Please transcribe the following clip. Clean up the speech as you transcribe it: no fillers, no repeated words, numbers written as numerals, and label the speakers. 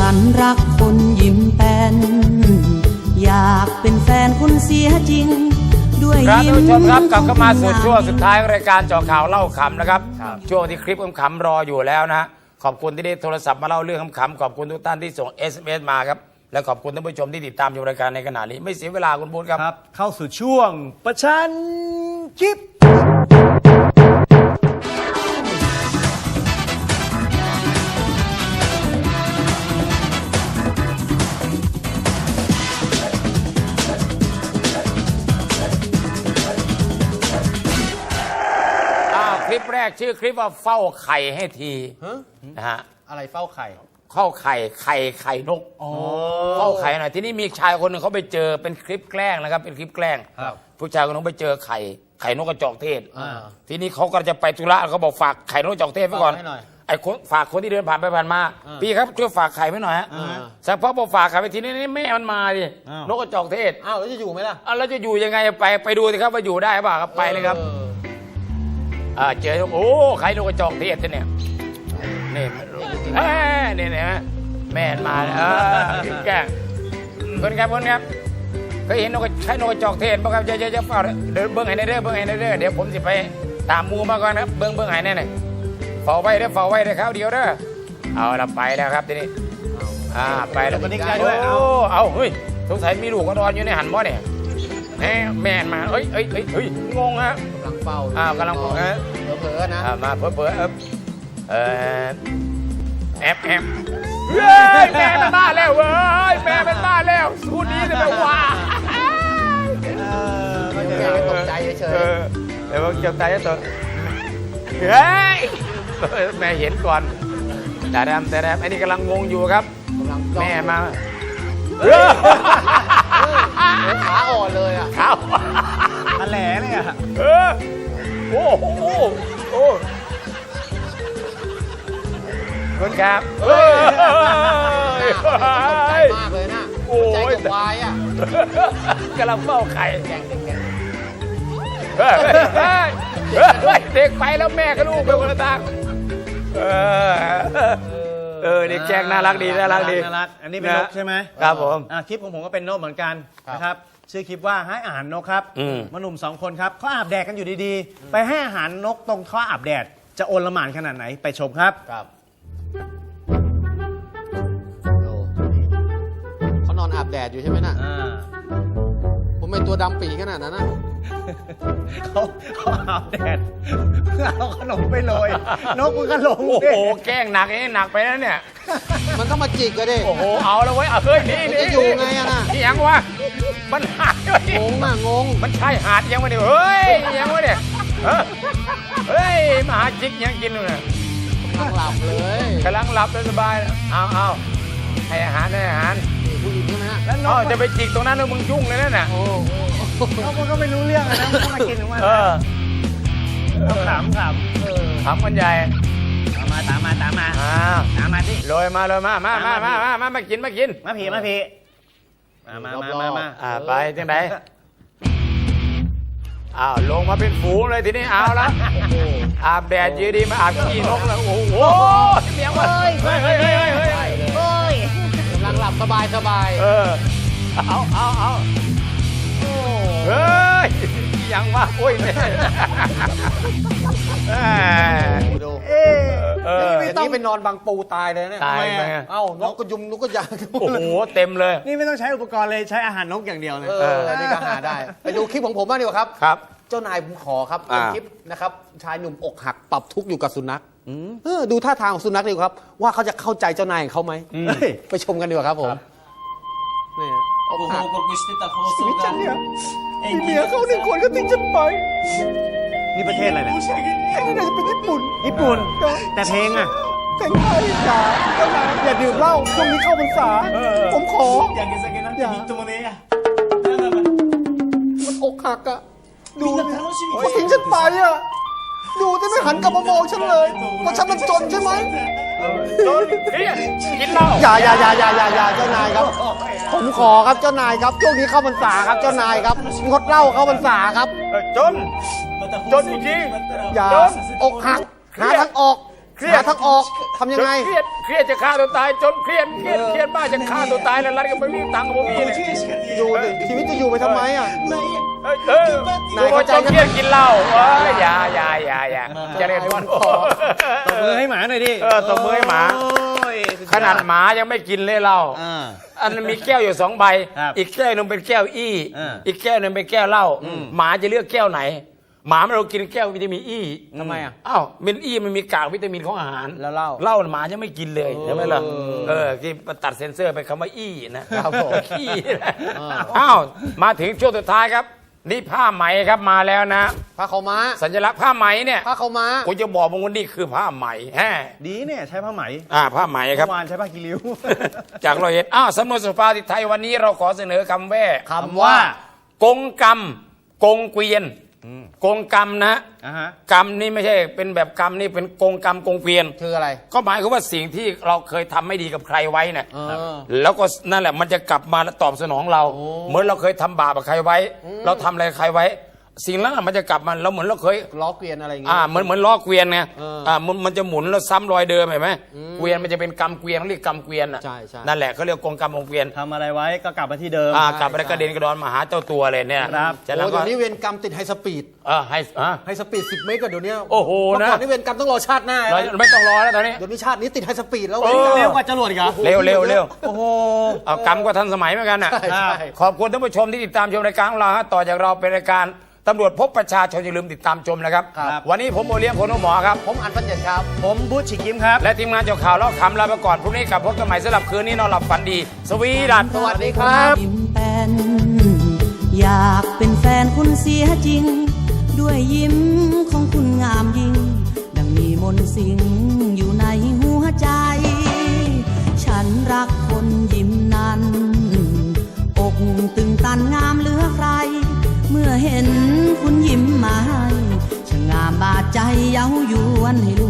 Speaker 1: นรักคุณยิ้มแป้นอยากเป็นแฟนคุณเสียจริงด้วยยิ้ม
Speaker 2: ท่านผู้ชมครับกลับเข้ามาสู่ช่วงสุดท้ายของรายการเจาะข่าวเล่าขำนะครับช่วงที่คลิปขำๆรออยู่แล้วนะขอบคุณที่ได้โทรศัพท์มาเล่าเรื่องขำๆขอบคุณทุกท่านที่ส่ง SMS มาครับและขอบคุณท่านผู้ชมที่ติดตามชมรายการในขณะนี้ไม่เสียเวลาคุณบูธครับ
Speaker 3: เข้าสู่ช่วงประชันคลิป
Speaker 2: คลิปแรกชื่อคลิปว่าเฝ้าไข่ให้ทีนะฮะ
Speaker 3: อะไรเฝ้าไข่
Speaker 2: เข้าไข่นกเข้าไข่หน่อยทีนี้มีชายคนหนึ่งเขาไปเจอเป็นคลิปแกล้งนะครับเป็นคลิปแกล้งผู้ชายคนนึงไปเจอไข่นกกระจอกเทศทีนี้เขาก็จะไปธุระเขาบอกฝากไข่นกกระจอกเทศไว้ก่อนไอ้คนฝากคนที่เดินผ่านไปผ่านมาพี่ครับช่วยฝากไข่ไว้หน่อยฮะสักพักพอฝากไข่ไปทีนี้แม่มันมาดินกกระจอกเทศ
Speaker 3: อ้าวแล้วจะอยู่ไหมล่ะ
Speaker 2: แล้วจะอยู่ยังไงไปดูสิครับว่าอยู่ได้ป่ะครับไปเลยครับเจอโอ้ไข่นกกระจอกเทศเนี่ยนี่นะแม่มาแกล้งคนครับเคยเห็นไข่นกกระจอกเทศป่ะครับจะเฝ้าเดินเบิ้งไห้ในเด้อเดี๋ยวผมจะไปตามมูมาก่อนครับเบิ้งไห้แน่ๆเฝ้าไว้เด้อเขาเดียวเด้อเอาละไปแล้วครับทีนี้ไปแล้ว
Speaker 3: ก็นิกได้ด้วย
Speaker 2: เอาเฮ้ยสงสัยมีลูกก็นอนอยู่ในหันบ่เนี่ยแม่มาเฮ้ยงงฮะ
Speaker 3: กำลังเฝ้าก
Speaker 2: ำลังเ
Speaker 3: ผลอนะ
Speaker 2: มาเผลอแอบแม่เป็นบ้าแล้วเว้ยแม่เป็นบ้าแล้วสู้นี้เลยแบบว่า
Speaker 3: ตกใจเฉย
Speaker 2: เดี๋ยวเจ็บใจตัวเฮ้ยแม่เห็นก่อนแต่แรมไอ้นี่กำลังงงอยู่ครับแม่มา
Speaker 3: ขาอ่อนเลย
Speaker 2: ขา
Speaker 3: ทะเลเลย
Speaker 2: โอ้คุณครับ
Speaker 3: ใจมากเลยนะใจจะวาย
Speaker 2: กำลังเฝ้าไข่เด็กไปแล้วแม่กับลูกไปคนละทางเด็กแจ้งน่ารักดีน่ารัก
Speaker 3: อันนี้เป็นนกใช่ไหม
Speaker 2: ครับผม
Speaker 3: คลิปของผมก็เป็นนกเหมือนกันนะครับชื่อคลิปว่าให้อาหารนกครับหนุ่ม2 คนครับเขาอาบแดดกันอยู่ดีๆไปให้อาหารนกตรงท่ออาบแดดจะโอลหม่านขนาดไหนไปชมครับ
Speaker 4: เขานอนอาบแดดอยู่ใช่ไหมน่ะผมเป็นตัวดำปีขนาดนั้นนะ
Speaker 3: เขาอาบแดดเพื่อเอาขนมไปโรยนกมันก็ลง
Speaker 2: โอ้โหแกล้งหนักหนักไปแล้วเนี่ย
Speaker 4: มันต้องมาจิกกันดิ
Speaker 2: โอ้โหเอาแล้วเว้ยเฮ้ยนี่
Speaker 4: จะอยู่ไงอะน่ะ
Speaker 2: นี่ยังวะมันหาด
Speaker 4: งง
Speaker 2: มันใช่หาดยังวะเนี่ยเฮ้ยยังวะเนี่ยเฮ้ยมาหาจิกยังกินเลย
Speaker 4: กำลังหลับเลย
Speaker 2: กำลังหลับสบายเอาให้อาหาร
Speaker 4: ผู้หญิงใช่ไหมฮะ
Speaker 2: แล้วจะไปจิกตรงนั้นแล้วมึงยุ่งเลยนั่นน่ะ
Speaker 3: มันก็ไม่รู้เรื่องนะมันก็มากินของมันขำ
Speaker 2: กันใหญ่
Speaker 3: ตามมาสิ
Speaker 2: ลอยมามากินมาผีมาไปที่ไหนลงมาเป็นฝูงเลยทีนี้เอาละอาบแดดยืดดีมาอาบขี้นกแล้วโอ้โหเสียงวะเฮ้ย
Speaker 4: กำลังหลับสบาย
Speaker 2: เอาเฮ้ยยังวะโอ้ยเนี่ย
Speaker 4: ดูนี่ไปนอนบังปูตายเลยเนี่ย
Speaker 2: ตายไหม
Speaker 4: นกก็ยุงนกก็ยาง
Speaker 2: โอ้โหเต็มเลย
Speaker 3: นี่ไม่ต้องใช้อุปกรณ์เลยใช้อาหารนกอย่างเดียวเลย
Speaker 4: นี่ก็หาได้ไปดูคลิปของผมบ้างดีกว่า
Speaker 2: ครับ
Speaker 4: เจ้านายผมขอครับเป็นคลิปนะครับชายหนุ่มอกหักปรับทุกข์อยู่กับสุนัขดูท่าทางของสุนัขดีครับว่าเขาจะเข้าใจเจ้านายของเขาไหมไปชมกันดีกว่าครับผมนี่
Speaker 3: ชีวิตฉันเนี่ยมีเมียเขา1 คนก็ทิ้งฉันไปนี่ประเทศอะไรเนี่ย
Speaker 1: นี่น่าจะเป็นญี่ปุ่น
Speaker 3: แต่เพลง
Speaker 1: เพลงไทยอย่าดื่มเหล้าช่วงนี้เข้าพรรษาผมขออย่ามันอกหักดูเขาทิ้งฉันไปดูที่ไม่หันกลับมามองฉันเลยว่าฉันมันจนใช่ไหม
Speaker 2: กินเหล้า
Speaker 4: อย่าเจ้านายครับผมขอครับเจ้านายครับช่วงนี้เข้าพรรษาครับเจ้านายครับงดเหล้าเข้าพรรษาครับ
Speaker 2: จนจริง
Speaker 4: อย่าอกหักหาทางออก
Speaker 2: เครียด
Speaker 4: หาทางออกทำยังไง
Speaker 2: เครียดจะฆ่าตัวตายจนเครียดมากจะฆ่าตัวตายแล้วรัฐก็ไม่มีตังค์ผมมีเนี่ย
Speaker 4: อยู่ดิชีวิตจะอยู่ไปทำไมอ่ะ
Speaker 2: นายเข้าใจเครียดกินเหล้าอย่าจะเรียนวัน
Speaker 3: ตบมือให้หมาหน่อยดิ
Speaker 2: ตบมือให้หมา
Speaker 3: โอ้ยสุยอ
Speaker 2: ขนาดหมายังไม่กินเลยเหล้า อันนั้นมีแก้วอยู่2 ใบ
Speaker 3: ครับ
Speaker 2: อีกแก้วหนึงเป็นแก้วอี้
Speaker 3: อ่า
Speaker 2: อีกแก้วหนึงเป็นแก้วเหล้าหมาจะเลือกแก้วไหน หมาไม่เรากินแก้ววิตามินอี้
Speaker 4: ทำไมอ่ะ
Speaker 2: อ้าววิตามินอี้มันมีกากวิตามินของอาหาร
Speaker 4: แล้วเหล้า
Speaker 2: เหล้าหมายังไม่กินเลยใช่ไหมล่ะที่ตัดเซ็นเซอร์ไปคำว่าอี้นะครับ
Speaker 4: ผม
Speaker 2: ขี้นะอ้าวมาถึงช่วงสุดท้ายครับ นี่ผ้าไหมครับมาแล้วนะ
Speaker 4: ผ้าขาวม้า
Speaker 2: สัญลักษณ์ผ้าไหมเนี่ย
Speaker 4: ผ้าขาวม้า
Speaker 2: กูจะบอกมึงว่านี่คือผ้าไหมแฮะ
Speaker 3: ดีเนี่ยใช้ผ้าไหม
Speaker 2: ผ้าไหมครับ
Speaker 3: เมื่อวานใช้ผ้ากีริ้ว
Speaker 2: จากเราเห็นสำนวนสุภาษิตไทยวันนี้เราขอเสนอคำแว่
Speaker 4: คำว่า
Speaker 2: กงกรรมกงเกวียนกงกรรมนะ กรรมนี่ไม่ใช่เป็นแบบกรรมนี่เป็นกงกรรมกงเกวียน
Speaker 4: คืออะไร
Speaker 2: ก็หมายความว่าสิ่งที่เราเคยทำไม่ดีกับใครไว้เนี่ย
Speaker 4: เออ
Speaker 2: แล้วก็นั่นแหละมันจะกลับมาตอบสนองเรา เหมือนเราเคยทำบาปกับใครไว้ เราทำอะไรกับใครไว้ สิ่งนั้นมันจะกลับมาแล้วเหมือนเราเคย
Speaker 4: ล้อเกวียนอะไรอย่างเงี้ย
Speaker 2: เหมือนล้อเกวียนไง
Speaker 4: เออ
Speaker 2: มันจะหมุนแล้วซ้ำรอยเดิมเห็นไหมเกวียนมันจะเป็นกรรมเกวียนเรียกกรรมเกวียนอ่ะ
Speaker 4: ใช่
Speaker 2: นั่นแหละเขาเรียกกงกรรมกงเกวียน
Speaker 3: ทำอะไรไว้ก็กลับมาที่เดิม
Speaker 2: กลับไปแล้วกระเด็นกระดอนมาหาเจ้าตัวเลยเนี่ย
Speaker 3: ครับ
Speaker 2: ฉะ
Speaker 4: โอ้
Speaker 2: นั้น
Speaker 4: เดี๋
Speaker 2: ก็
Speaker 4: ยวนี้เวรกรรมติดไฮสปีด
Speaker 2: ให้
Speaker 4: ไฮสปีด10 เมตรก็เดี๋ยวนี้
Speaker 2: โอ้โห
Speaker 4: เมื่อก่อน
Speaker 2: นะ
Speaker 4: นี่เวรกรรมต้องรอชาติหน้า
Speaker 2: เราไม่ต้องรอแล้วตอนนี้
Speaker 4: เดี๋ยวนี้ชาตินี้ติดไฮสปีดแล้ว
Speaker 2: เออ
Speaker 3: เร็วกว่าจรวดอีกเหรอ
Speaker 2: เร็ว
Speaker 3: โอ้โห
Speaker 2: เอากรรมก็ทันสมัยเหมือนกันน่ะ
Speaker 4: ใช่ใช่
Speaker 2: ขอบคุณท่านผู้ชมที่ติดตามชมรายการของเราฮะต่อจากเราเป็นรายการตำรวจพบประชาชนอย่าลืมติดตามชมนะครับ
Speaker 4: ครับ
Speaker 2: วันนี้ผมโอเลี้ยงคนหมอครับ
Speaker 4: ผมอันฟันเย็นครับ
Speaker 3: ผมบูธฉิกิมครับ
Speaker 2: และทีมงานเจ้าข่าวเล่าขำลาไปก่อนพรุ่งนี้กลับพบกันใหม่สำหรับคืนนี้นอนหลับฝันดี สวีดัส
Speaker 4: สวัสดีครับ
Speaker 5: ยิ้มแป้นอยากเป็นแฟนคุณเสียจริง ด้วยยิ้มของคุณงามยิ่ง ดังมีมนต์สิงอยู่ในหัวใจ ฉันรักคนยิ้มนั้น อกตึงตันงามเหลือใคร เมื่อเห็นคุณยิ้มมาให้ช่างงามบาดใจเย้ายวนให้ล